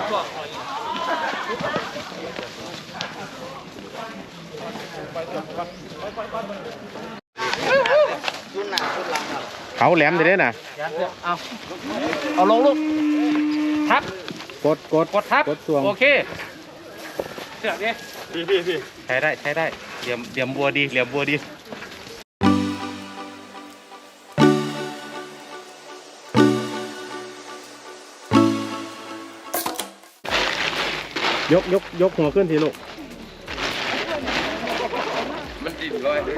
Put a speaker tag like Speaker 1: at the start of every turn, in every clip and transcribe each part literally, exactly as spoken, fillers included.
Speaker 1: เขาแหลมได้เลยนะ
Speaker 2: เอาเอาลงลูกทับ
Speaker 1: กดกด
Speaker 2: กดทับ
Speaker 1: กดสวง
Speaker 2: โอเคเสือกดิพี่พี่พี่ใช้ได้ใช้ได้เหลี่ยมเหลี่ยมบัวดีเหลี่ยมบัวดี
Speaker 1: ยกยกยกหัวขึ้นทีลูก
Speaker 3: มันติดร้อย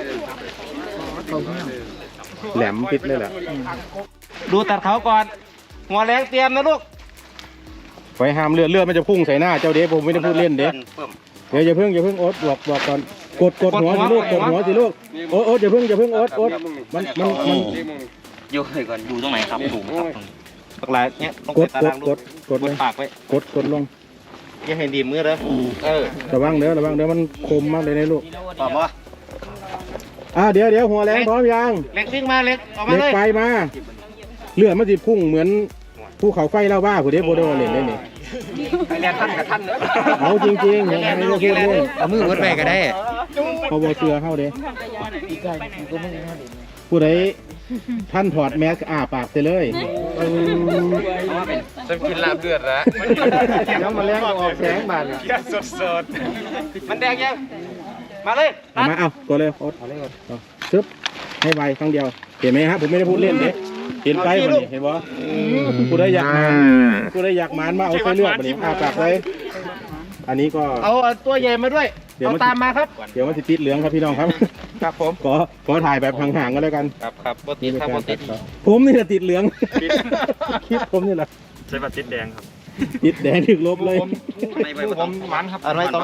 Speaker 1: แหลมปิดเลยแหละ
Speaker 2: ดูตัดเขาก่อนหัวแรงเตรียมนะลูก
Speaker 1: ไฟห้ามเลือดเลือดมันจะพุ่งใส่หน้าเจ้าเด็กผมไม่ได้พูดเล่นเด็กเดี๋ยวอย่าเพิ่งอย่าเพิ่งโอ๊ตบอกบอกก่อนกดกดหัวสิลูกกดหัวสิลูกโอ๊ตโอ๊ตอย่าเพิ่งอย่าเพิ่งโอ๊ตโอ๊ตมันมันมัน
Speaker 2: อยู่ให้ก่อนอยู่ตรงไหนครับถูกครับปากลายเนี้ยต้อง
Speaker 1: ก
Speaker 2: ก
Speaker 1: ด
Speaker 2: ด
Speaker 1: กดกดกดเลย
Speaker 2: ปากไว้
Speaker 1: กดกดลง
Speaker 2: อย่าให้ดีมือเลยเออ
Speaker 1: ระวังเด้อระวังเด้อมันคมมากเลยนะลูก
Speaker 2: ตอบว่า
Speaker 1: อ่าเดี๋ยวเดี๋ยวหัวแรงพร้อมยัง
Speaker 2: เล็กวิ่งมาเล็กออกมาเลย
Speaker 1: เล็กไฟมาเลือดมันสิพุ่งเหมือนภูเขาไฟเล่าบ้าผู้เด็กโบโดเล่นได้นี่
Speaker 2: ไปเรียนท่านกับท่านเนอะ
Speaker 1: เอาจริงๆอย่างนี้จะพูดเลย
Speaker 2: เอามือวัดไปก็ได้
Speaker 1: พอโบเสือเข้าเด้ผู้ใดท่านถอดแมสอ้าปากไปเลย
Speaker 3: จะกินลาบเลือดแล้ว
Speaker 1: ยังมาแรงออกแสงบาด
Speaker 3: แค่สดสด
Speaker 2: มันแดงยังมาเลย
Speaker 1: มาเอาก็เลยโอ๊ตเอาเลยก่อนซึบให้ไวครั้งเดียวเห็นไหมครับผมไม่ได้พูดเล่นเด้เห็นไฟมันนี่เห็นบ่ผู้ใดอยากมาผู้ใดอยากมานมาเอาไฟเลือดมานี่อ้าปากเลยอันนี้ก็
Speaker 2: เอาตัวใหญ่มาด้วยเอาตามมาครับ
Speaker 1: เดี๋ยวมันจะติดเหลืองครับพี่น้องครับ
Speaker 2: ครับผม
Speaker 1: ขอขอถ่ายแบบห่างๆกันแล้วกัน
Speaker 2: ครับครับปกติครับปกติ
Speaker 1: ผมนี่แหละติดเหลืองคลิปผมนี่แหละ
Speaker 3: ใช่ป่ะติดแดงครับ
Speaker 1: ติดแดงถึงลบเลย
Speaker 3: ผมมันครับ
Speaker 2: อะไรต่อ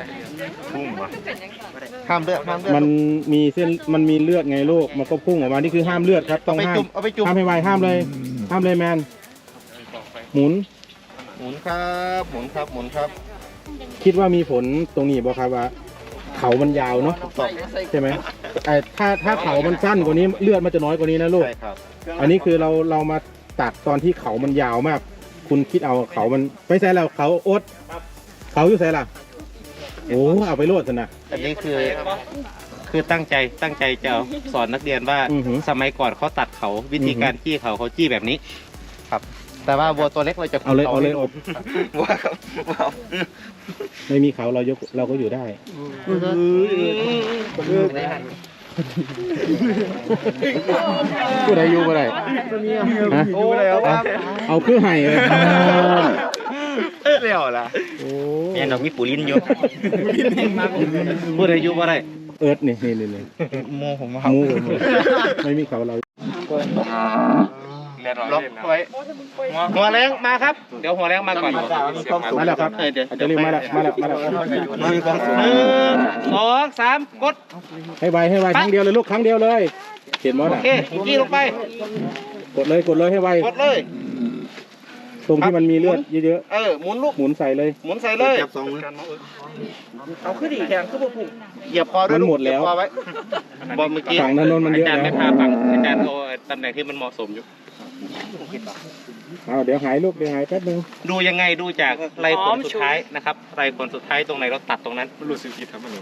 Speaker 2: ห้ามเลือดห้ามเลือด
Speaker 1: มันมีเส้นมันมีเลือดไงลูกมันก็พุ่งออกมานี่คือห้ามเลือดครับต้องห้ามห้ามให้ไวห้ามเลยห้ามเลยแมนหมุน
Speaker 2: หมุนครับหมุนครับหมุนครับ
Speaker 1: คิดว่ามีผลตรงนี้บ่ครับว่าเขามันยาวเนาะใช่ไหมไอ้ถ้าถ้าเขามันสั้นกว่านี้เลือดมันจะน้อยกว่านี้นะลูกอันนี้คือเราเรามาตัดตอนที่เขามันยาวมากคุณคิดเอาเขามันไม่ใช่แล้วเขาอดเขาอยู่ใส่ล่ะโอ้เอาไปโลดสินะ
Speaker 2: อันนี้คือคือตั้งใจตั้งใจจะสอนนักเรียนว่าสมัยก่อนเขาตัดเขาวิธีการจี้เขาเขาจี้แบบนี้ครับแต่ว่าวัวตัวเล็กเราจะ
Speaker 1: เอาเลยเอาเลยอบ
Speaker 2: วัวครับ
Speaker 1: ไม่มีเขาเรายกเราก็อยู่ได้ผู้ใดอยู่ผู้ใดเอาคือไห่เลย
Speaker 2: เรียวล่ะเนี่ยดอกมีปูลิ้นอยู่ผู้ใดอยู่ผู้ใด
Speaker 1: เอิร์ดนี่นี่นี่
Speaker 2: โมผม
Speaker 1: ครับโมไม่มีเขาเรา
Speaker 2: ล็อกไว้หัวแรงมาครับเดี๋ยวหัวแรงมาก่อน
Speaker 1: มาแล้วครับเดี๋ยวจะรีบมาแล้วมาแล้วมาแล้ว
Speaker 2: มีความสูงหนึ่งสองสามกด
Speaker 1: ให้ไวให้ไวครั้งเดียวเลยลูกครั้งเดียวเลยเห็นมั้ยโอ
Speaker 2: เคจี้ลงไป
Speaker 1: กดเลยกดเลยให้ไว
Speaker 2: กดเลย
Speaker 1: ตรงที่มันมีเลือดเยอะ
Speaker 2: ๆเออหมุนลูก
Speaker 1: หมุนใส่เลย
Speaker 2: หมุนใส่เลยจับสองมือเอาขึ้นดีแข็งขึ้นพุ่งเหยียบคอด้วย
Speaker 1: มันหมดแล้ว
Speaker 2: บอลเมื่อกี้
Speaker 1: ฝั่งถนนมันเยอะ
Speaker 2: อาจารย์ไม่พาฝั่งอาจารย์เอาตำแหน่งที่มันเหมาะสมอยู่
Speaker 1: เอาเดี๋ยวหายลูกเดี๋ยวหายแป๊บนึง
Speaker 2: ดูยังไงดูจากไรขนสุดท้ายนะครับไรขนสุดท้ายตรงไหนเราตัดตรงนั้น
Speaker 3: รู้สึกผิดครับมัน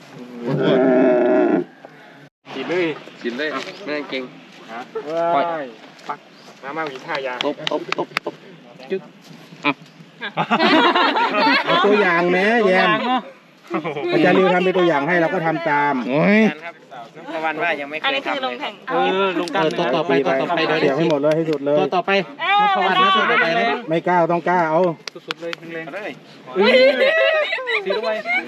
Speaker 3: กินเลยกินเลยไม่ต้องเก่งปล่อยปักน้ำมาวิทายา
Speaker 2: ตบตบตบตบจึ๊ก
Speaker 1: เอาตัวอย่างแม่แยมอาจารย์ริวทำเป็นตัวอย่างให้เราก็ทำตาม
Speaker 2: โอ้ย
Speaker 3: ประวันว่ายังไม่เคยทำอันนี้คือลงแข่ง
Speaker 2: เออลงกันตัวต่อไปตัวต่อไป
Speaker 1: เดี๋ยวให้หมดเลยให้สุดเลย
Speaker 2: ตัวต่อไปประวันนะตัวต่อไปเลย
Speaker 1: ไม่กล้าต้องกล้าเอา
Speaker 3: สุดเลยแรงเลย
Speaker 2: สีลงไป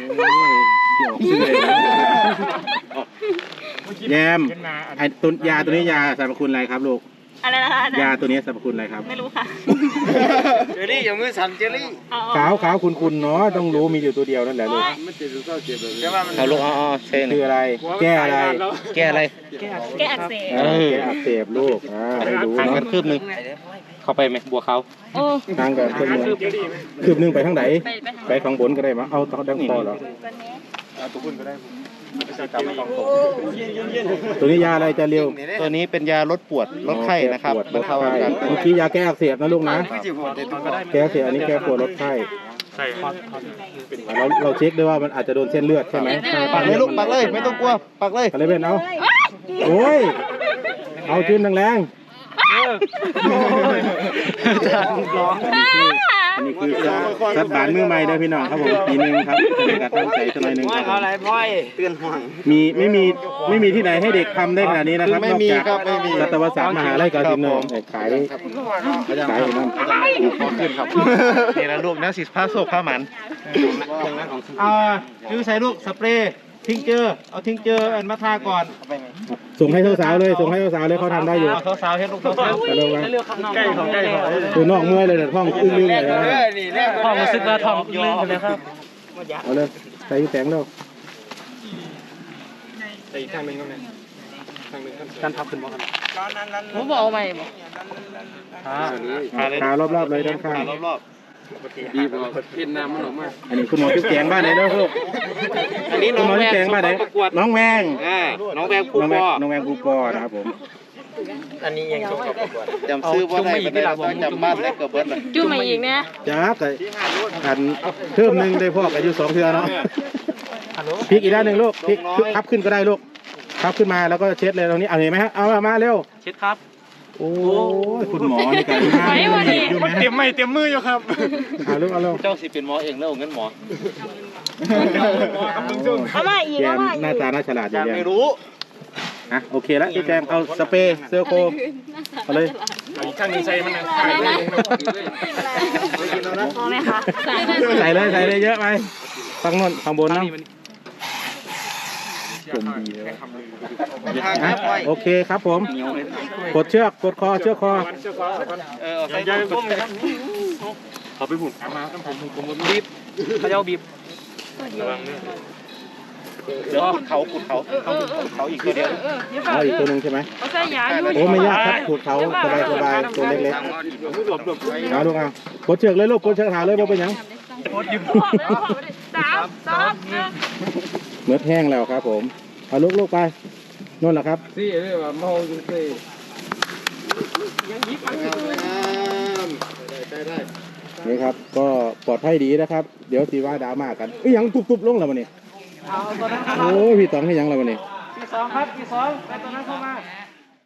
Speaker 1: แยมไอ้ตัวยาตัวนี้ยาสรรพคุณอะไรครับลูก
Speaker 4: อะไรนะคะ
Speaker 1: ยาตัวนี้สรรพคุณอะไรครับ
Speaker 4: ไม่รู้ค่ะ
Speaker 3: เจลลี่อย่ามือสั่นเจลลี่
Speaker 1: ขาวขาวคุณคุณเนาะต้องรู้มีอยู่ตัวเดียวนั่นแหละลูก
Speaker 2: เอาลูกอ๋อเช่น
Speaker 1: คืออะไรแก้อะไร
Speaker 2: แก้อะไร
Speaker 4: แก้อักเสบ
Speaker 1: แก้อักเสบลูกอ่าให้ดู
Speaker 2: ทางกันคืบนึงเข้าไปไหมบัวเขา
Speaker 1: ทางกันคืบนึงคืบนึงไปทางไหนไปข้างบนก็ได้มั้งเอาต่อดังคอเหรอตัวคุณก็ได้ตัวนี้ยาอะไรจะเร็ว
Speaker 2: ตัวนี้เป็นยาลดปวดลดไข้นะครับ
Speaker 1: ลดไข้เมื่อกี้ยาแก้อักเสบนะลูกนะแก้อักเสบอันนี้แก้ปวดลดไข้
Speaker 3: ใส่ฮอต
Speaker 1: เราเราเช็คด้วยว่ามันอาจจะโดนเส้นเลือดใช่ไหม
Speaker 2: ปักเลยลูกปักเลยไม่ต้องกลัวปักเลย
Speaker 1: อะไรเป็นเอาโอ้ยเอาขึ้นแรงๆอันนี้คือสัตว์บานมือใหม่เด้อพี่น้องครับผมปีนึงครับเป็นการตั้งใจสักหน่อยหนึ่งครับ
Speaker 2: อะไรพ่อยเตือนห่วง
Speaker 1: มีไม่มีไม่มีที่ไหนให้เด็กทำได้ขนาดนี้นะครับ
Speaker 2: ไม่
Speaker 1: นอก
Speaker 2: มี
Speaker 1: จาก
Speaker 2: ครับไม่มี
Speaker 1: สัตวศาสตร์มหาลัยกาฬสินธุ์ขายขายอยู่นั่น
Speaker 2: ขึ้นครับนี่นะลูกนะสิผ้าโซกผ้าหมันอ่าคือใส่ลูกสเปรย์ทิ้งเจอเอาทิ้งเจออันมาทาก่อน
Speaker 1: ส่งให้สาวๆเลยส่งให้สาวๆเลยเขาทำได้อยู่
Speaker 2: เอาสาวๆเห็นลูกสาว
Speaker 1: ไปเร็วไป
Speaker 3: ใกล้ของใกล้ของ
Speaker 1: คือนอกเมื่อยเลยเนี่ยท้องอึ้งๆเลยนะ
Speaker 3: พ่อรู้สึกว่าทองลื่นเลยครับ
Speaker 1: เอาเลยใส่แสงเร็ว
Speaker 3: แต่อีกข้างหนึ่งก็ไม่ข้างหนึ่งกันทับขึ้นบ่ครับ
Speaker 4: ผมบอกใหม่บอก
Speaker 1: ขารอบๆเลยด้านข้าง
Speaker 2: รอบ
Speaker 3: บีบเอาเพี้ยนน้ำมันออกมา
Speaker 1: อันนี้คุณหมอจุ๊บแจงบ้านไหนเด้อลูก
Speaker 2: ๆอันนี้
Speaker 1: คุ
Speaker 2: น้
Speaker 1: ณ
Speaker 2: อง
Speaker 1: หมอ
Speaker 2: แว
Speaker 1: จุ๊บแจงบ้านไหน
Speaker 2: ประกวด
Speaker 1: น้องแวง
Speaker 2: อ่าน้องแวงผู้
Speaker 1: น้องแว
Speaker 2: ป
Speaker 1: ง
Speaker 2: อ
Speaker 1: น้องแวงกูปอนะครับผม
Speaker 2: อันนี้ยังส่งประกวดจำซื้อว่าได้ไม่ได้ต้องจำบ้านได้เกือบเบิร์ดเลย
Speaker 4: จุ่มมาอีกเนี่ย
Speaker 1: จ้าแต่อันเพิ่มหนึ่งได้พ่ออายุสองเทือเนาะพลิกอีกด้านหนึ่งลูกพลิกพับขึ้นก็ได้ลูกพับขึ้นมาแล้วก็เช็ดเลยตรงนี้เอาเห็นไหมฮะเอามาเร็ว
Speaker 3: เช็ดครับ
Speaker 1: โอ้ยคุณหมอนี่กันอยู่ไหม
Speaker 3: เตรียมไม่เตรียมมืออยู่ครับ
Speaker 1: เอาลูกเอาลูก
Speaker 2: เจ้าสิเป็นหมอเองแล้วเงินหมอ
Speaker 4: เอามาอีก
Speaker 1: แก
Speaker 4: เอามาอีก
Speaker 1: หน้าตาน่าฉลาดอยู่
Speaker 2: ยัง
Speaker 1: เนี่ย
Speaker 2: ไม่รู้
Speaker 1: อ่ะโอเคแล้วพี่แจงเอาสเปรย์เซอร์โคเอาเลย
Speaker 3: อีกข้างหนึ่งใส่มันนะ
Speaker 4: พอไหมคะ
Speaker 1: ใส่เลยใส่เลยเยอะไปตั้งโน่นข้างบนนะอ่ะโอเคครับผมกดเชือกกดคอเชือกคอ
Speaker 2: เออใส่
Speaker 3: ใหญ่ผมเลยครับเขาไปบุ่นมาต้องผมผมบีบเขาจะบีบระวังเนี่ย
Speaker 2: เดี๋ยวขุดเขาขุดเขาเขาขุดเขาอีกตัวเดียว
Speaker 1: เอาอีกตัวหนึ่งใช่ไหม
Speaker 4: เอาใส่ยาอยู่
Speaker 1: โอ้ไม่ยากครับขูดเขาสบายสบายตัวเล็กๆเอาลูกเอากดเชือกเลยลูกกดเชือกหาเลยว่าเป็นยัง
Speaker 4: สามสองหนึ่ง
Speaker 1: เมือแห้งแล้วครับผมเอาลูกลูกไปนู่นแหละครับ
Speaker 3: ซี่เรียกว่าเมาจุซี่
Speaker 1: นี่ครับก็ปลอดภัยดีนะครับ เดี๋ยวสีว่าดราม่ากันเอ้ยยังตุบๆลงแล้ววันนี้โอ้ยพี่ต๋องให้ยังแล้ววันนี้
Speaker 2: ที่สองครับที่สองไปตัวนั้นเข้ามา